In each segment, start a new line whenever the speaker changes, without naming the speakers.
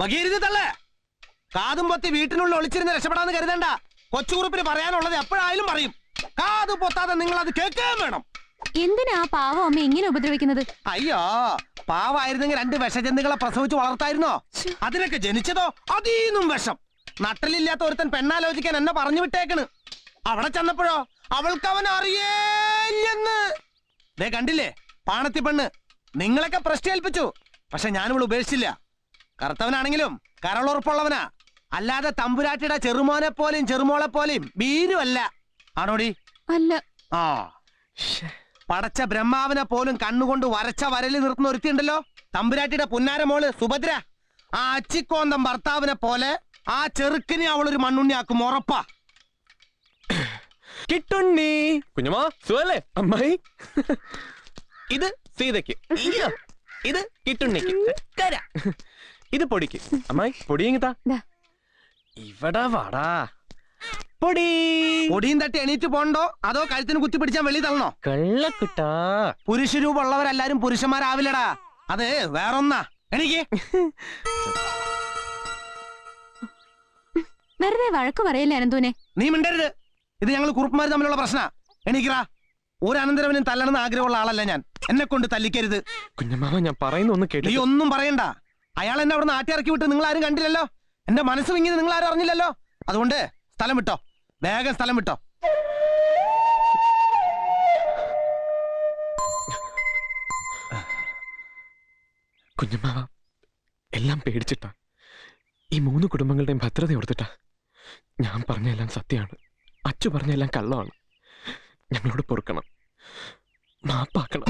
ഭഗീരഥി തള്ളേ, കാതും പൊത്തി വീട്ടിനുള്ളിൽ ഒളിച്ചിരുന്ന് രക്ഷപ്പെടാന്ന് കരുതണ്ട. കൊച്ചുകുറുപ്പിന് പറയാനുള്ളത് എപ്പോഴായാലും പറയും. കാതു പൊത്താതെ നിങ്ങൾ അത് കേൾക്കുകയും വേണം.
എന്തിനാ പാവം അമ്മ ഇങ്ങനെ ഉപദ്രവിക്കുന്നത്?
അയ്യോ, പാവായിരുന്നെങ്കിൽ 2 വിഷജന്തുക്കളെ പ്രസവിച്ച് വളർത്തായിരുന്നോ? അതിനൊക്കെ ജനിച്ചതോ അതീന്നും വിഷം. നട്ടലില്ലാത്ത ഒരുത്തൻ പെണ്ണാലോചിക്കാൻ എന്നെ പറഞ്ഞു വിട്ടേക്കണ്. അവിടെ ചെന്നപ്പോഴോ അവൾക്ക് അവൻ അറിയേല്ലെന്ന്. ദേ കണ്ടില്ലേ പാണത്തി പെണ്ണ്, നിങ്ങളൊക്കെ പ്രശ്നേൽപ്പിച്ചു. പക്ഷെ ഞാനിവൾ ഉപേക്ഷിച്ചില്ല. കറുത്തവനാണെങ്കിലും കരളുറപ്പുള്ളവനാ. അല്ലാതെ തമ്പുരാട്ടിയുടെ ചെറുമോനെ പോലെയും ചെറുമോളെ പോലെയും ബീരുമല്ല. ആണോടി?
അല്ല.
ആ, പടച്ച ബ്രഹ്മാവിനെ പോലും കണ്ണുകൊണ്ട് വരച്ച വരല് നിർത്തുന്ന ഒരുത്തിയുണ്ടല്ലോ, തമ്പുരാട്ടിയുടെ പുന്നാരമോള് സുഭദ്ര. ആ അച്ചിക്കോന്തം ഭർത്താവിനെ പോലെ ആ ചെറുക്കിനെ അവളൊരു മണ്ണുണ്ണിയാക്കും, ഉറപ്പാ.
കിട്ടുണ്ണി കുഞ്ഞുമാ സുഖല്ലേ? അമ്മായി ഇത് സീതയ്ക്ക്, ഇത് കിട്ടുണ്ണിക്ക്, ഇത് പൊടിക്ക്. അമ്മായി പൊടിയെങ്കിത്താ. ഇവിടെ വാടാ. പൊടി.
പൊടിയും തട്ടി എണീറ്റ് പോണ്ടോ അതോ കഴുത്തിന് കുത്തി പിടിച്ചാൽ വെളി തള്ളണോ?
കള്ളക്കുട്ടാ.
പുരുഷ രൂപമുള്ളവരെല്ലാരും പുരുഷന്മാരാവില്ലടാ, അത് വേറൊന്നാ. എനിക്ക്
വെറുതെ വഴക്ക് പറയല്ലേ അനന്തൂനെ.
നീ മിണ്ടരുത്. ഇത് ഞങ്ങൾ കുറുപ്പന്മാർ തമ്മിലുള്ള പ്രശ്ന. എണീക്കറാ. ഒരു അനന്തരവനും തല്ലണമെന്ന് ആഗ്രഹമുള്ള ആളല്ല ഞാൻ. എന്നെ കൊണ്ട് തല്ലിക്കരുത്.
കുഞ്ഞമ്മാവ ഞാൻ പറയുന്ന ഒന്ന് കേട്ടു.
നീ ഒന്നും പറയണ്ട. അയാൾ എന്നെ അവിടെ നാട്ടി ഇറക്കി വിട്ട് നിങ്ങൾ ആരും കണ്ടില്ലല്ലോ. എന്റെ മനസ്സ് വിങ്ങിയത് നിങ്ങൾ ആരും അറിഞ്ഞില്ലല്ലോ. അതുകൊണ്ട് സ്ഥലം വിട്ടോ, വേഗം സ്ഥലം വിട്ടോ.
കുഞ്ഞമ്മാവ എല്ലാം പേടിച്ചിട്ടാ. ഈ 3 കുടുംബങ്ങളുടെയും ഭദ്രത ഓർത്തിട്ടാ. ഞാൻ പറഞ്ഞെല്ലാം സത്യമാണ്, അച്ചു പറഞ്ഞെല്ലാം കള്ളമാണ്. ഞങ്ങളോട് പൊറുക്കണം, മാപ്പാക്കണം.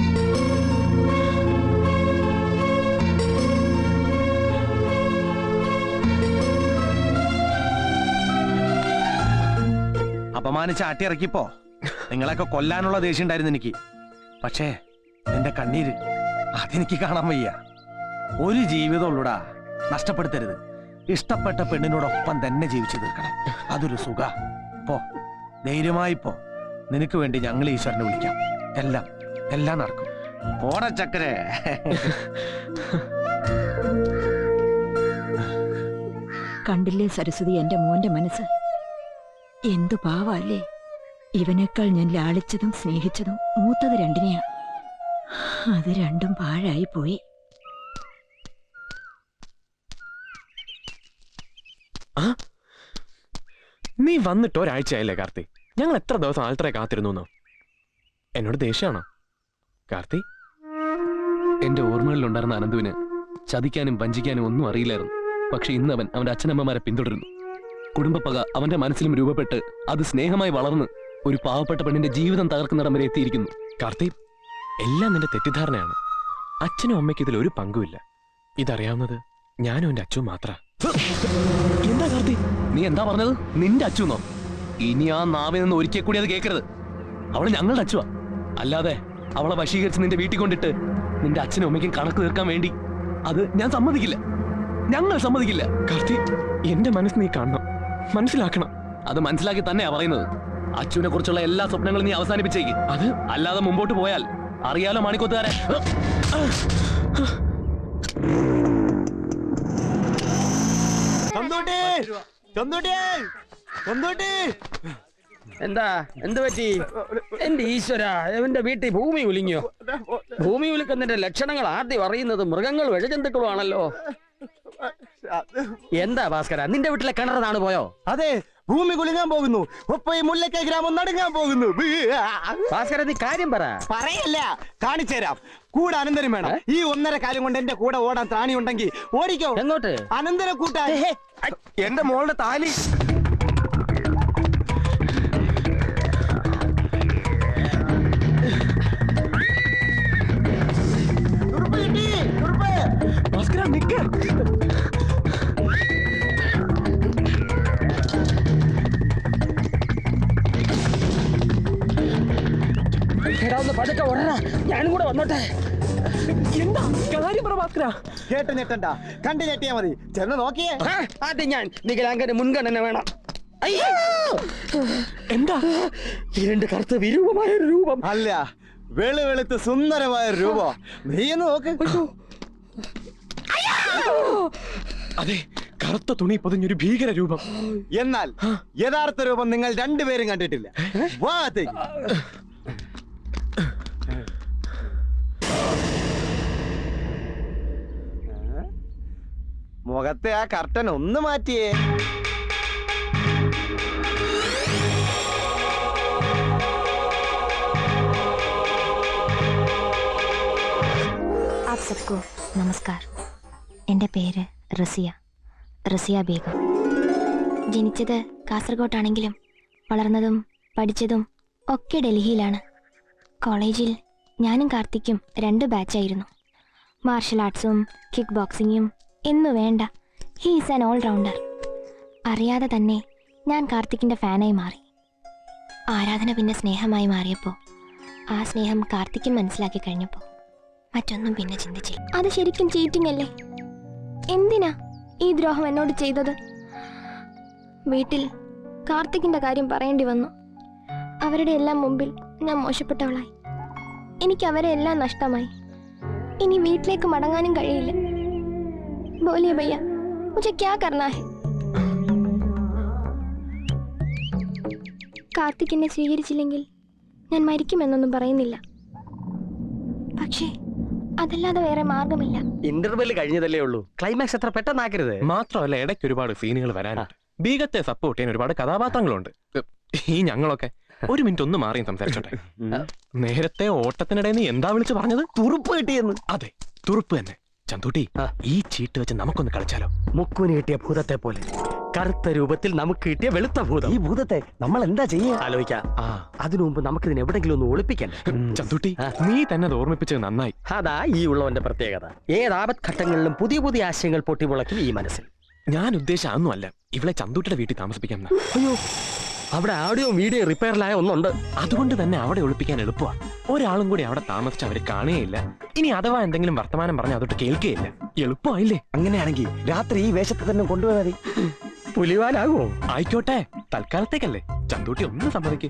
അപമാനിച്ച് ആട്ടിയിറക്കിപ്പോ നിങ്ങളൊക്കെ കൊല്ലാനുള്ള ദേഷ്യം ഉണ്ടായിരുന്നു എനിക്ക്. പക്ഷേ നിന്റെ കണ്ണീര് അതെനിക്ക് കാണാൻ വയ്യ. ഒരു ജീവിതമുള്ളൂടാ, നഷ്ടപ്പെടുത്തരുത്. ഇഷ്ടപ്പെട്ട പെണ്ണിനോടൊപ്പം തന്നെ ജീവിച്ചു തീർക്കണം. അതൊരു സുഖ. പോ, ധൈര്യമായി പോ. നിനക്ക് വേണ്ടി ഞങ്ങൾ ഈശ്വരനെ വിളിക്കാം. എല്ലാം നടക്കും. പോട ചക്കരെ.
കണ്ടില്ലേ സരസ്വതി, എന്റെ മോന്റെ മനസ്സ് എന്തു പാവല്ലേ. ഇവനേക്കാൾ ഞാൻ ലാളിച്ചതും സ്നേഹിച്ചതും മൂത്തത് 2-നെയാ. അത് 2ഉം പാഴായി പോയി.
നീ വന്നിട്ട് ഒരാഴ്ചയായില്ലേ കാർത്തി? ഞങ്ങൾ എത്ര ദിവസം ആൾട്ടറെ കാത്തിരുന്നു? എന്നോട് ദേഷ്യമാണോ കാർത്തി?
എന്റെ ഓർമ്മകളിലുണ്ടായിരുന്ന അനന്തുവിന് ചതിക്കാനും വഞ്ചിക്കാനും ഒന്നും അറിയില്ലായിരുന്നു. പക്ഷെ ഇന്ന് അവൻ അവന്റെ അച്ഛനമ്മമാരെ പിന്തുടരുന്നു. കുടുംബപ്പക അവന്റെ മനസ്സിലും രൂപപ്പെട്ട് അത് സ്നേഹമായി വളർന്ന് ഒരു പാവപ്പെട്ട പെണ്ണിന്റെ ജീവിതം തകർക്കുന്നിടം വരെ എത്തിയിരിക്കുന്നു.
കാർത്തി, എല്ലാം നിന്റെ തെറ്റിദ്ധാരണയാണ്. അച്ഛനും അമ്മയ്ക്ക് ഇതിൽ ഒരു പങ്കുമില്ല. ഇതറിയാവുന്നത് ഞാനും എന്റെ അച്ഛനും മാത്ര.
എന്താ കാർത്തി നീ എന്താ പറഞ്ഞത്? നിന്റെ അച്ഛനോ? ഇനി ആ നാവിൽ നിന്ന് ഒരിക്കൽ കൂടി അത് കേൾക്കരുത്. അവള് ഞങ്ങളുടെ അച്ഛനാ. അല്ലാതെ അവളെ വശീകരിച്ച് നിന്റെ വീട്ടിൽ കൊണ്ടിട്ട് നിന്റെ അച്ഛനും അമ്മയ്ക്കും കണക്ക് തീർക്കാൻ വേണ്ടി അത് ഞാൻ സമ്മതിക്കില്ല. ഞങ്ങൾ സമ്മതിക്കില്ല.
കാർത്തി, എന്റെ മനസ്സ് നീ കാണണം, മനസ്സിലാക്കണം.
അത് മനസ്സിലാക്കി തന്നെയാ പറയുന്നത്. അച്ഛനെ കുറിച്ചുള്ള എല്ലാ സ്വപ്നങ്ങളും നീ അവസാനിപ്പിച്ചേക്ക്.
അത്
അല്ലാതെ മുമ്പോട്ട് പോയാൽ അറിയാലോ മാണിക്കോത്തുകാരെ.
എന്താ എന്ത് പറ്റി? എന്റെ ഈശ്വര, എവന്റെ വീട്ടിൽ ഭൂമി ഉലിഞ്ഞോ? ഭൂമി ഉലിക്കുന്നതിന്റെ ലക്ഷണങ്ങൾ ആദ്യം അറിയുന്നത് മൃഗങ്ങൾ വിഴജന്തുക്കളും ആണല്ലോ. എന്താ ഭാസ്കര, നിന്റെ വീട്ടിലെ കിണറാണ് പോയോ?
അതെ, ഭൂമി കുലുങ്ങാൻ പോകുന്നു. ഒപ്പം ഈ മുല്ലക്കൈ ഗ്രാമം നടുങ്ങാൻ പോകുന്നു.
ഭാസ്കര, നീ കാര്യം
പറയല്ല, കാണിച്ചുതരാം. കൂടെ അനന്തരം വേണം. ഈ 1.5 കാലം കൊണ്ട് എന്റെ കൂടെ ഓടാൻ ത്രാണി ഉണ്ടെങ്കിൽ ഓടിക്കോ.
എങ്ങോട്ട്?
അനന്തര കൂട്ടാ. എന്റെ മോളുടെ താലി.
ഭാസ്കര നിക്ക്.
ഒന്ന് പതുക്കെ ഓടടാ, ഞാനും കൂടെ വന്നോട്ടെ.
എന്താ കാര്യം പറ ഭാസ്കര.
കേട്ട് ഞെട്ടണ്ട, കണ്ടു ഞെട്ടിയാ മതി. ചെന്ന് നോക്കിയേ.
ആദ്യം ഞാൻ വികലാംഗന് മുൻഗണന വേണം.
എന്താ?
2 കറുത്ത വിരൂപമായ ഒരു രൂപം.
അല്ല, വെളുവെളുത്ത് സുന്ദരമായ രൂപം. നീ എന്ന് നോക്ക്.
അതെ, കറുത്ത തുണി പൊതിഞ്ഞൊരു ഭീകര രൂപം.
എന്നാൽ യഥാർത്ഥ രൂപം നിങ്ങൾ രണ്ടുപേരും കണ്ടിട്ടില്ല. വാ അകത്തേക്ക്. മുഖത്തെ ആ കർട്ടൻ ഒന്ന് മാറ്റിയേ.
आप सबको നമസ്കാർ. എൻ്റെ പേര് റസിയ ബീഗം. ജനിച്ചത് കാസർഗോട്ടാണെങ്കിലും വളർന്നതും പഠിച്ചതും ഒക്കെ ഡൽഹിയിലാണ്. കോളേജിൽ ഞാനും കാർത്തിക്കും 2 ബാച്ചായിരുന്നു. മാർഷൽ ആർട്സും കിക്ക് ബോക്സിങ്ങും എന്നു വേണ്ട, ഹീ ഈസ് ആൻ ഓൾറൗണ്ടർ. അറിയാതെ തന്നെ ഞാൻ കാർത്തിക്കിൻ്റെ ഫാനായി മാറി. ആരാധന പിന്നെ സ്നേഹമായി മാറിയപ്പോൾ ആ സ്നേഹം കാർത്തിക്കും മനസ്സിലാക്കി കഴിഞ്ഞപ്പോൾ മറ്റൊന്നും പിന്നെ ചിന്തിച്ചില്ല. അത് ശരിക്കും ചീറ്റിംഗ് അല്ലേ? എന്തിനാ ഈ ദ്രോഹം എന്നോട് ചെയ്തത്? വീട്ടിൽ കാർത്തിക്കിന്റെ കാര്യം പറയേണ്ടി വന്നു. അവരുടെ എല്ലാം മുമ്പിൽ ഞാൻ മോശപ്പെട്ടവളായി. എനിക്ക് അവരെ എല്ലാം നഷ്ടമായി. ഇനി വീട്ടിലേക്ക് മടങ്ങാനും കഴിയില്ല. ബോലിയ ഭയ്യ, മുझे क्या करना है? കാർത്തിക് എന്നെ സ്വീകരിച്ചില്ലെങ്കിൽ ഞാൻ മരിക്കുമെന്നൊന്നും പറയുന്നില്ല. പക്ഷേ അതല്ലാതെ വേറെ മാർഗമില്ല.
ഇന്റർവെല് കഴിഞ്ഞതല്ലേ ഉള്ളൂ, ക്ലൈമാക്സ് എത്ര പെട്ടെന്നാക്കരുത്.
മാത്രമല്ല, ഇടയ്ക്ക് ഒരുപാട് സീനുകൾ വരാനുണ്ട്. ബീഗത്തെ സപ്പോർട്ട് ചെയ്യാൻ ഒരുപാട് കഥാപാത്രങ്ങളുണ്ട്. ഈ ഞങ്ങളൊക്കെ ഒരു മിനിറ്റ് ഒന്ന് മാറിയും സംസാരിച്ചോട്ടെ. നേരത്തെ ഓട്ടത്തിനിടെ നീ എന്താ വിളിച്ചു പറഞ്ഞത്?
തുറുപ്പ് കിട്ടിയെന്ന്.
അതെ, തുറുപ്പ് തന്നെ. ചന്തൂട്ടി, ഈ ചീട്ട് വെച്ച് നമുക്കൊന്ന് കളിച്ചാലോ?
മുക്കുവിന് കിട്ടിയ ഭൂതത്തെ പോലെ കറുത്ത രൂപത്തിൽ നമുക്ക് കിട്ടിയ വെളുത്ത ഭൂതം.
ഈ ഭൂതത്തെ നമ്മൾ എന്താ ചെയ്യാ?
ആലോചിക്കാം. അതിനു മുമ്പ് നമുക്കിതിന് എവിടെങ്കിലും ഒന്ന് ഒളിപ്പിക്കണ്ടേ?
ചന്തൂട്ടി, നീ തന്നെ അത് ഓർമ്മിപ്പിച്ചത് നന്നായി.
അതാ ഈ ഉള്ളവന്റെ പ്രത്യേകത. ഏതാപത് ഘട്ടങ്ങളിലും പുതിയ പുതിയ ആശയങ്ങൾ പൊട്ടിമുളയ്ക്കും ഈ മനസ്സിൽ.
ഞാൻ ഉദ്ദേശിച്ച അതൊന്നും അല്ല, ഇവളെ ചന്തൂട്ടിയുടെ വീട്ടിൽ താമസിപ്പിക്കാം.
അയ്യോ, അവിടെ ആഡിയോ വീഡിയോ റിപ്പയറിലായ ഒന്നുണ്ട്.
അതുകൊണ്ട് തന്നെ അവിടെ ഒളിപ്പിക്കാൻ എളുപ്പമാണ്. ഒരാളും കൂടി അവിടെ താമസിച്ച് അവര് കാണുകയില്ല. ഇനി അഥവാ എന്തെങ്കിലും വർത്തമാനം പറഞ്ഞാൽ അതൊട്ട് കേൾക്കുകയില്ല. എളുപ്പമായില്ലേ?
അങ്ങനെയാണെങ്കിൽ രാത്രി ഈ വേഷത്തെ തന്നെ കൊണ്ടുപോയാൽ മതി.
പുലിവാലാകുമോ?
ആയിക്കോട്ടെ, തൽക്കാലത്തേക്കല്ലേ. ചന്തൂട്ടി ഒന്ന് സമ്മതിക്ക്.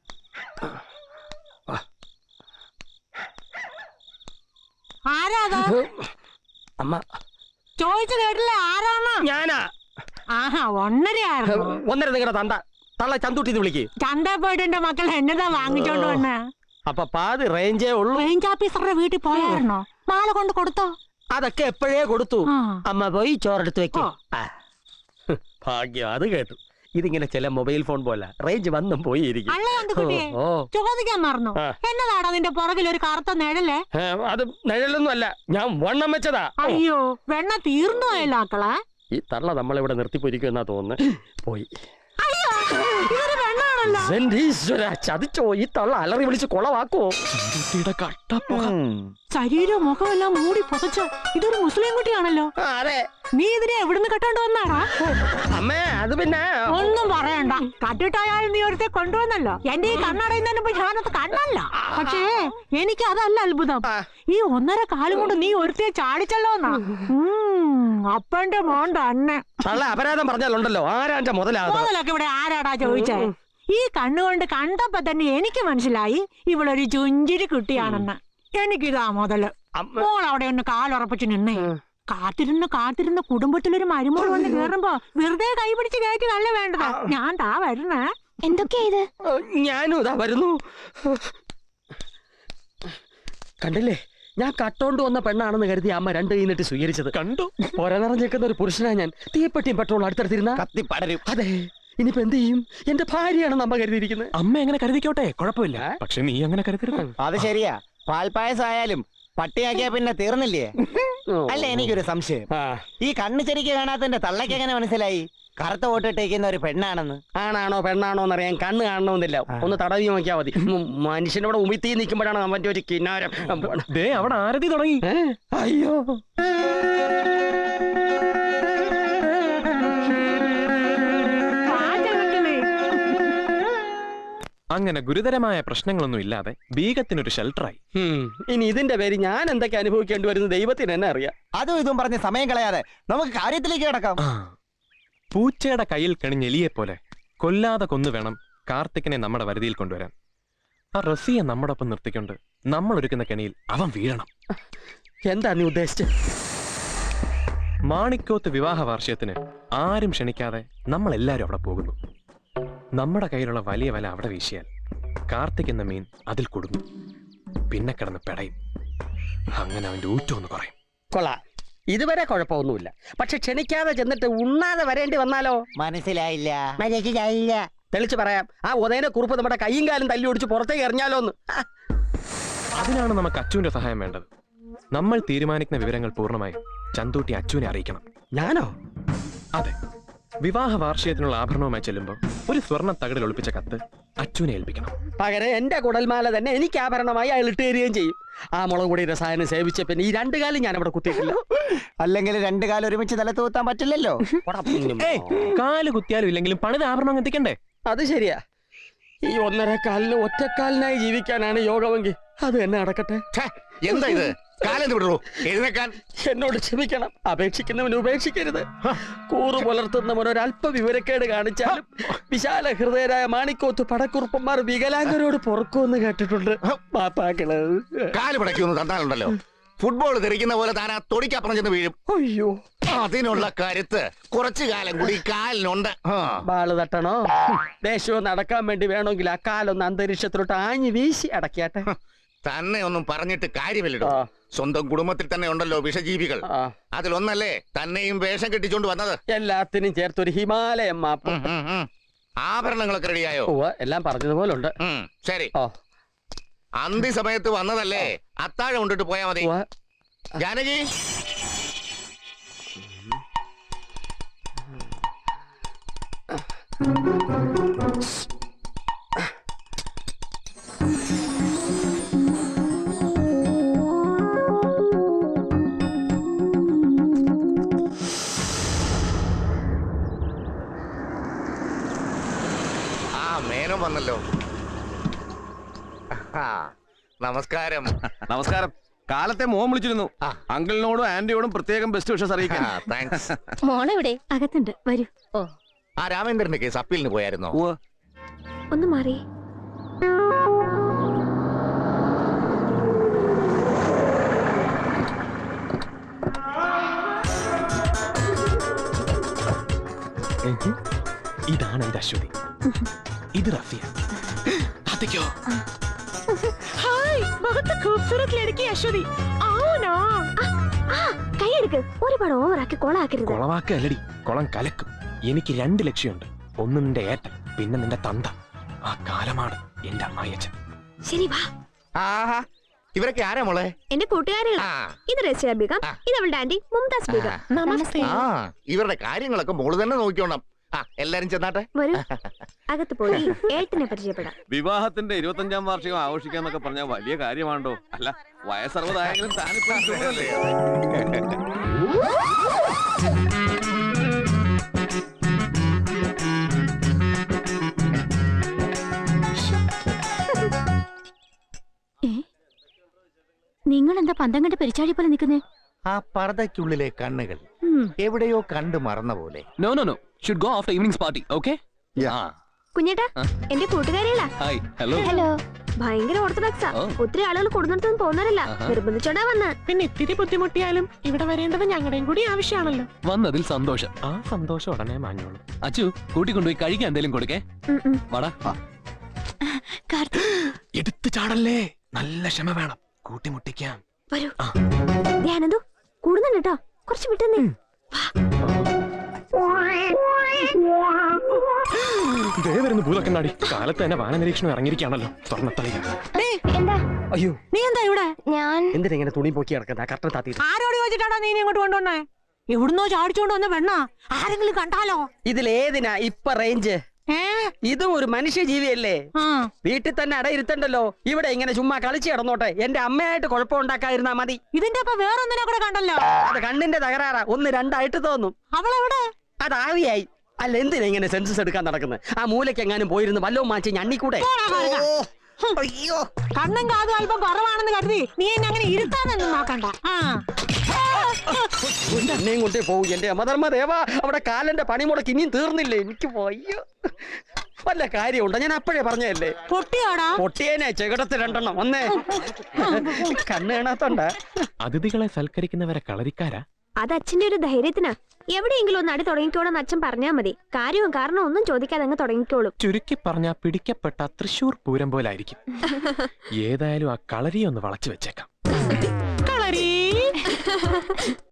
ആരാതാ?
അമ്മ
ചോദിച്ചു കേട്ടില്ലേ ആരാണ്?
ഞാനാ.
ആഹാ, 1:30
ഒന്നര നിങ്ങളുടെ തണ്ട തള്ള ചന്തൂട്ടി വിളിക്ക്.
ചന്ത പോയിട്ട് എന്റെ മക്കൾ എന്നതാ വാങ്ങിച്ചോണ്ട് വന്നേ?
അപ്പൊ പാതി റേഞ്ചേ ഉള്ളൂ.
റേഞ്ച് ഓഫീസറുടെ വീട്ടിൽ പോയായിരുന്നോ? മാല കൊണ്ട് കൊടുത്തോ?
അതൊക്കെ എപ്പോഴേ കൊടുത്തു.
ആ.
അമ്മ പോയി ചോറെടുത്ത് വെക്കോ. ഭാഗ്യം, അത് കേട്ടു. ഇതിങ്ങനെ ചില മൊബൈൽ ഫോൺ പോലെ റേഞ്ച് വന്നും പോയി ഇരിക്കും.
അല്ലേ അന്തുക്കുട്ടിയെ? ചോദിക്കാൻ മറന്നു.
ആ.
എന്നതാടാ നിന്റെ പുറകിൽ ഒരു കറുത്ത നിഴലേ?
അത് നിഴലൊന്നും അല്ല, ഞാൻ വണ്ണം വെച്ചതാ.
അയ്യോ, വെണ്ണ തീർന്നു പോയല്ലോ ആക്കളെ.
ഈ തള്ള നമ്മളിവിടെ നിർത്തിപ്പൊരിക്കും എന്നാ തോന്നുന്നു. പോയി.
അയ്യോ, ഇതൊരു വെണ്ണാണല്ലോ.
എന്റെ ഈശ്വരാ, ചതിച്ചോ? ഈ തള്ള അലറി വിളിച്ച് കൊളവാക്കുവോ?
ചന്തൂട്ടിയുടെ കട്ടപ്പുക.
ശരീരവും മുഖമെല്ലാം മൂടി പുതച്ച് ഇതൊരു മുസ്ലിം കുട്ടിയാണല്ലോ.
അതെ.
നീ ഇതിനെ എവിടുന്ന് കെട്ടോണ്ട് വന്നാടാ?
അമ്മേ, അത് പിന്നെ
ഒന്നും പറയണ്ട. കട്ടിട്ടായാലും നീ ഒരുത്തെ കൊണ്ടുവന്നല്ലോ. എന്റെ ഈ കണ്ണടയുന്നതിന് മുമ്പ് ഞാനത് കണ്ടല്ല. പക്ഷേ എനിക്ക് അതല്ല അത്ഭുതം. ഈ 1.5 കാലം കൊണ്ട് നീ ഒരുത്തെ ചാടിച്ചല്ലോന്നാ. അപ്പന്റെ മോൻ തന്നെ.
തള്ള അപരാധം പറഞ്ഞാലുണ്ടല്ലോ ആരാന്റെ മുതലാകും.
മുതലൊക്കെ ഇവിടെ ആരാടാ ചോദിച്ചേ? ഈ കണ്ണുകൊണ്ട് കണ്ടപ്പോ തന്നെ എനിക്ക് മനസ്സിലായി ഇവളൊരു ചുഞ്ചിരി കുട്ടിയാണെന്ന്. എനിക്കിതാ മുതല്. മോൾ അവിടെ ഒന്ന് കാലുറപ്പിച്ച് നിന്നേ. കാത്തിരുന്ന് കുടുംബത്തിലൊരു മരുമോൾ വന്ന് കേറുമ്പോ വെറുതെ കൈ പിടിച്ച് കയറ്റിയതല്ല വേണ്ടത്. ഞാൻ താ വരുന്നേ.
എന്തൊക്കെയാ ഇത്?
ഞാനും ഇതാ വരുന്നു. കണ്ടില്ലേ, ഞാൻ കട്ടോണ്ട് വന്ന പെണ്ണാണെന്ന് കരുതി അമ്മ 2 കൈന്നിട്ട് സ്വീകരിച്ചത്.
കണ്ടു.
നിറഞ്ഞേക്കുന്ന ഒരു പുരുഷനാ ഞാൻ. തീപ്പെട്ടിയും പെട്രോൾ അടുത്തടുത്തിരുന്ന
കത്തി പടരും.
അതെ, ഇനിയിപ്പോ എന്ത് ചെയ്യും? എന്റെ ഭാര്യയാണെന്ന് അമ്മ കരുതിയിരിക്കുന്നത്.
അമ്മ എങ്ങനെ കരുതിക്കോട്ടെ, കുഴപ്പമില്ല. പക്ഷെ നീ അങ്ങനെ കരുതരുത്.
അത് ശരിയാ. പാൽപ്പായസായാലും പട്ടിയാക്കിയാ പിന്നെ തീർന്നില്ലേ? അല്ല, എനിക്കൊരു സംശയം. ഈ കണ്ണ് ശരിക്ക് കാണാത്തന്റെ തള്ളയ്ക്ക് എങ്ങനെ മനസ്സിലായി കറുത്ത വോട്ടിട്ടേക്കുന്ന ഒരു പെണ്ണാണെന്ന്?
ആണാണോ പെണ്ണാണോ എന്നറിയാൻ കണ്ണ് കാണണമെന്നില്ല, ഒന്ന് തടവി നോക്കിയാൽ മതി. മനുഷ്യനോട് ഉമിത്തി നിൽക്കുമ്പോഴാണ് അവന്റെ ഒരു കിന്നാരം.
ദേ, അവിടെ ആരതി തുടങ്ങി.
അയ്യോ,
അങ്ങനെ ഗുരുതരമായ പ്രശ്നങ്ങളൊന്നും ഇല്ലാതെ ബീഗത്തിനൊരു ഷെൽട്ടറായി.
ഇനി ഇതിന്റെ പേര് ഞാൻ എന്തൊക്കെ അനുഭവിക്കേണ്ടി വരുന്ന ദൈവത്തിന് എന്നെ അറിയാം.
അതും ഇതും പറഞ്ഞ് സമയം കളയാതെ നമുക്ക് കാര്യത്തിലേക്ക് കിടക്കാം.
പൂച്ചയുടെ കയ്യിൽ കണിഞ്ഞ എലിയെ പോലെ കൊല്ലാതെ കൊന്നു വേണം കാർത്തിക്കിനെ നമ്മുടെ വരുതിയിൽ കൊണ്ടുവരാൻ. ആ റസിയെ നമ്മുടെ ഒപ്പം നിർത്തിക്കൊണ്ട് നമ്മൾ ഒരുക്കുന്ന കെണിയിൽ അവൻ വീഴണം.
എന്താ നീ ഉദ്ദേശിച്ചത്?
മാണിക്കോത്ത് വിവാഹ വാർഷികത്തിന് ആരും ക്ഷണിക്കാതെ നമ്മൾ എല്ലാവരും അവിടെ പോകുന്നു. നമ്മുടെ കയ്യിലുള്ള വലിയ വല അവിടെ വീശിയാൽ കാർത്തിക് എന്ന മീൻ അതിൽ കൊടുക്കും. പിന്നെ കിടന്ന് പെടയും. അങ്ങനെ അവന്റെ ഊറ്റം ഒന്ന് കുറയും.
കൊള്ളാം, ഇതുവരെ കുഴപ്പമൊന്നുമില്ല. പക്ഷെ ക്ഷണിക്കാതെ ചെന്നിട്ട് ഉണ്ണാതെ വരേണ്ടി വന്നാലോ?
മനസ്സിലായില്ല.
തെളിച്ച് പറയാം, ആ ഉദയനെ കുറിപ്പ് നമ്മുടെ കൈയും കാലും തല്ലി ഒടിച്ച് പുറത്തേക്ക് എറിഞ്ഞാലോ എന്ന്.
അതിനാണ് നമുക്ക് അച്ചുവിന്റെ സഹായം വേണ്ടത്. നമ്മൾ തീരുമാനിക്കുന്ന വിവരങ്ങൾ പൂർണ്ണമായും ചന്തൂട്ടി അച്ചുവിനെ അറിയിക്കണം.
ഞാനോ?
അതെ, വിവാഹ വാർഷികത്തിനുള്ള ആഭരണവുമായി ചെല്ലുമ്പോൾ ഒരു സ്വർണ്ണ തകടിൽ ഒളിപ്പിച്ച കത്ത് അച്ചുവിനെ ഏൽപ്പിക്കണം.
പകരം എന്റെ കുടൽമാല തന്നെ എനിക്ക് ആഭരണമായി അയാൾ ഇട്ട് തരികയും ചെയ്യും. ആ മുളക് പൊടി രസായനം സേവിച്ച പിന്നെ ഈ 2 കാലം ഞാൻ അവിടെ കുത്തിയിട്ടില്ല.
അല്ലെങ്കിൽ 2 കാലം ഒരുമിച്ച് തല തൂത്താൻ പറ്റില്ലല്ലോ.
കാല് കുത്തിയാലും ഇല്ലെങ്കിലും പണിത് ആഭരണം എത്തിക്കണ്ടേ?
അത് ശരിയാ. ഈ 1.5 കാലിന് ഒറ്റക്കാലിനായി ജീവിക്കാനാണ് യോഗമെങ്കിൽ അത് എന്നെ അടക്കട്ടെ.
എന്താ ഇത്? കാലം വിടൂ, എഴുന്നേക്കാൻ.
എന്നോട് ക്ഷമിക്കണം. അപേക്ഷിക്കുന്നവന് ഉപേക്ഷിക്കരുത്. കൂറു പുലർത്തുന്നവൻ ഒരല്പ വിവരക്കേട് കാണിച്ചാലും വിശാല ഹൃദയരായ മാണിക്കോത്ത് പടക്കുറുപ്പന്മാർ വികലാംഗരോട് പൊറുക്കുമെന്ന് കേട്ടിട്ടുണ്ട്. മാപ്പാക്കള്
കാല് പിടയ്ക്കൊന്ന് തന്നാലുണ്ടല്ലോ, ഫുട്ബോൾ തെറിക്കുന്ന പോലെ താൻ ആ തൊടിക്കപ്പുറം ചെന്ന് വീഴും.
അയ്യോ,
അതിനുള്ള കരുത്ത് കുറച്ചു കാലം കൂടി കാലിനുണ്ട്.
ബാള് തട്ടണോ? ദേശവും നടക്കാൻ വേണ്ടി വേണമെങ്കിൽ ആ കാലൊന്ന് അന്തരീക്ഷത്തിലോട്ട് ആഞ്ഞു വീശി അടക്കിയാട്ടെ.
തന്നെ ഒന്നും പറഞ്ഞിട്ട് കാര്യമില്ലടോ. സ്വന്തം കുടുംബത്തിൽ തന്നെ ഉണ്ടല്ലോ വിഷജീവികൾ. അതിലൊന്നല്ലേ തന്നെയും വേഷം കെട്ടിച്ചോണ്ട് വന്നത്.
എല്ലാത്തിനും ചേർത്തൊരു ഹിമാലയം മാപ്പ്.
ആഭരണങ്ങളൊക്കെ റെഡിയായോ?
എല്ലാം പറഞ്ഞതുപോലെ ഉണ്ട്.
ശരി, അന്തി സമയത്ത് വന്നതല്ലേ, അത്താഴം കൊണ്ടിട്ട് പോയാ മതി. ജാനകി, മേനോൻ വന്നല്ലോ. നമസ്കാരം.
നമസ്കാരം. കാലത്തെ മോൻ വിളിച്ചിരുന്നു. അങ്കിളിനോടും ആന്റിയോടും പ്രത്യേകം ബെസ്റ്റ് വിഷസ് അറിയിക്കാൻ.
താങ്ക്സ്.
മോളെവിടെ? അകത്തുണ്ട്, വരൂ.
ആ രാമേന്ദ്രന്റെ കേസ് അപ്പീലിന് പോയായിരുന്നോ?
ഒന്ന് മാറി.
ഇതാണ് എന്റെ അശ്വതി. ഇത് റഫിയ.
കൈയെടുക്ക്. ഒരുപാട് ഓവറാക്കി കൊളാക്കരുത്.
കൊളവാക്കല്ലടി, കുളം കലക്കും. എനിക്ക് 2 ലക്ഷ്യമുണ്ട്. ഒന്ന് നിന്റെ ഏട്ടൻ, പിന്നെ നിന്റെ തന്ത. ആ കാലമാണ് എന്റെ അമ്മായിയച്ഛൻ.
ശരി, വാ.
ആഹാ, ഇവരൊക്കെ ആരാ മോളെ?
എന്റെ കൂട്ടുകാരികളാ. ഇത് റസിയ ബീഗം, ഇത് അവളുടെ ആന്റി മുംതാസ് ബീഗം. നമസ്തേ.
ഇവരുടെ കാര്യങ്ങളൊക്കെ മോള് തന്നെ നോക്കിക്കോണം. എല്ലാരും ചെന്നാട്ടെ.
വരൂ, അകത്ത് പോയി ഏട്ടനെ പരിചയപ്പെടാം.
വിവാഹത്തിന്റെ 25ാം വാർഷികം ആഘോഷിക്കാന്നൊക്കെ പറഞ്ഞാൽ വലിയ കാര്യമാണോ? അല്ല, വയസ്സറുപതായെങ്കിലും താനിപ്പോ ചൂടല്ലേ?
നിങ്ങൾ എന്താ പന്തം കണ്ട് പെരിച്ചാഴി പോലെ നിൽക്കുന്നേ?
ആ പർദ്ദയ്ക്കുള്ളിലെ കണ്ണുകൾ എവിടെയോ കണ്ടു മറന്ന പോലെ.
No no no, should go after evening party. Okay?
കുഞ്ഞേട്ടാ, എന്റെ കൂട്ടുകാരികളാ.
ഹായ്. ഹലോ.
ഹലോ. ഭയങ്കര ഓർത്തഡോക്സാ. ഒത്തിരി ആളുകൾ കൊടുന്നിടത്തൊന്നും പോകുന്നവരല്ല, നിർബന്ധിച്ചോണ്ടാ വന്ന്.
പിന്നെ ഇത്തിരി ബുദ്ധിമുട്ടിയാലും ഇവിടെ വരേണ്ടത് ഞങ്ങളുടെയും കൂടി ആവശ്യമാണല്ലോ.
വന്നതിൽ സന്തോഷം.
ആ സന്തോഷം ഉടനെ മാഞ്ഞോളൂ.
അച്ചു, കൂട്ടിക്കൊണ്ടുപോയി കഴിക്കാൻ എന്തെങ്കിലും കൊടുക്കേ. വാടാ.
എടുത്തു ചാടല്ലേ, നല്ല ക്ഷമ വേണം. കൂട്ടിമുട്ടിക്കാം.
വരൂ. ധ്യാനന്തു കൂടുന്നുണ്ട് കേട്ടോ, കുറച്ച് വിട്ടുന്നേ.
ഇതേ വരുന്ന ഭൂതക്കണ്ണാടി. കാലത്ത് തന്നെ വാന നിരീക്ഷണം ഇറങ്ങിയിരിക്കുകയാണല്ലോ. സ്വർണ്ണത്തളിക.
എന്താ?
അയ്യോ,
നീ എന്താ ഇവിടെ?
ഞാൻ
എന്തിനാ ഇങ്ങനെ തുണി പൊക്കി കിടക്കുന്ന? കട്ട താത്തി.
ആരോട് ചോദിച്ചിട്ടാണോ നീ ഇങ്ങോട്ട് കൊണ്ടുവന്നേ? എവിടുന്നോ ചാടിച്ചോണ്ട് വന്ന പെണ്ണ. ആരെങ്കിലും കണ്ടാലോ?
ഇതിലേതിനാ ഇപ്പൊ റേഞ്ച്? ഇതും ഒരു മനുഷ്യജീവിയല്ലേ? വീട്ടിൽ തന്നെ അടയിരുത്തണ്ടല്ലോ. ഇവിടെ ഇങ്ങനെ ചുമ്മാ കളിച്ച് കിടന്നോട്ടെ. എന്റെ അമ്മയായിട്ട് കുഴപ്പമുണ്ടാക്കാതിരുന്നാ മതി.
ഇതിന്റെ ഒപ്പം വേറൊന്നിനെ കൂടെ കണ്ടല്ലോ.
അത് കണ്ണിന്റെ തകരാറാ. 1 2 തോന്നും.
അവളെവിടെ?
അത് ആവിയായി. അല്ല, എന്തിനാ ഇങ്ങനെ സെൻസസ് എടുക്കാൻ നടക്കുന്നത്? ആ മൂലയ്ക്ക് എങ്ങാനും പോയിരുന്ന് വല്ലോ മാറ്റി ഞണ്ണിക്കൂടെ?
അയ്യോ,
കണ്ണും കാതും അല്പം കുറവാണെന്ന് കരുതി നീ എന്നെ അങ്ങനെ ഇരുത്താനൊന്നും നോക്കണ്ട.
എന്നെയും കൊണ്ടേ പോകും. എന്റെ അമധർമ്മദേവ, അവിടെ കാലന്റെ പണി മുടക്ക് ഇനിയും തീർന്നില്ലേ? എനിക്ക് പോയോ വല്ല കാര്യമുണ്ടോ? ഞാൻ അപ്പോഴേ പറഞ്ഞല്ലേ.
പൊട്ടിയോടാ?
പൊട്ടിയേനെ ചെകിടത്ത് 2 വന്നേ. കണ്ണ് കാണാത്തോണ്ട.
അതിഥികളെ സൽക്കരിക്കുന്നവരെ കളരിക്കാരാ?
അത് അച്ഛന്റെ ഒരു ധൈര്യത്തിനാ. എവിടെയെങ്കിലും ഒന്ന് അടി തുടങ്ങിക്കോളെന്ന് അച്ഛൻ പറഞ്ഞാ മതി. കാര്യവും കാരണം ഒന്നും ചോദിക്കാതെ അങ്ങ് തുടങ്ങിക്കോളും.
ചുരുക്കി പറഞ്ഞാ പിടിക്കപ്പെട്ട തൃശൂർ പൂരം പോലായിരിക്കും. ഏതായാലും ആ കളരിയെ ഒന്ന് വളച്ചു വെച്ചേക്കാം.
കളരി